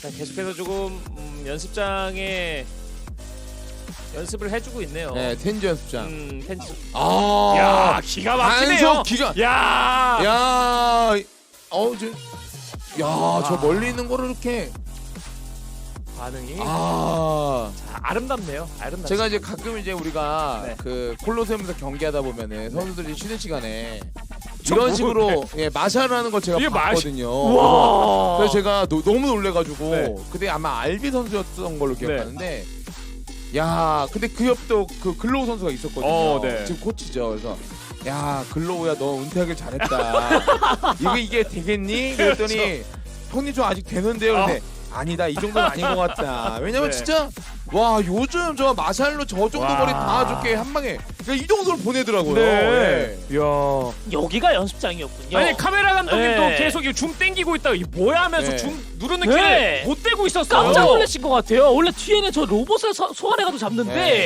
자, 계속해서 조금 연습장에 연습을 해주고 있네요. 네, 텐즈 연습장. 텐즈. 아, 야, 기가 막히네요. 반속 기가. 야, 야, 저 멀리 있는 거를 이렇게. 반응이 자, 아름답네요. 아름답. 제가 이제 가끔 이제 우리가 네. 그 콜로세움에서 경기하다 보면은 선수들이 쉬는 시간에 저 이런 뭐- 식으로 예, 마샬을 하는 걸 제가 이게 봤거든요. 와. 그래서 제가 너무 놀래가지고 네. 그때 아마 알비 선수였던 걸로 기억하는데 야 근데 그 옆도 그 글로우 선수가 있었거든요. 네. 지금 코치죠. 그래서 야 글로우야 너 은퇴하길 잘했다. 이게 되겠니? 그랬더니 형님 좀 아직 되는데요. 근데 아니다 이 정도는 아닌 것 같다. 왜냐면 네. 진짜 와 요즘 저 마샬로 저 정도 와. 거리 다 줄게 한 방에 그러니까 이 정도로 보내더라고요. 네. 예. 야. 여기가 연습장이었군요. 아니 카메라 감독님도 네. 계속 줌 땡기고 있다가 이 뭐야 하면서 네. 줌 누르는 네. 키를 못 대고 있었어요. 깜짝 놀라신 것 같아요. 원래 뒤에는 저 로봇을 소환해가지고 잡는데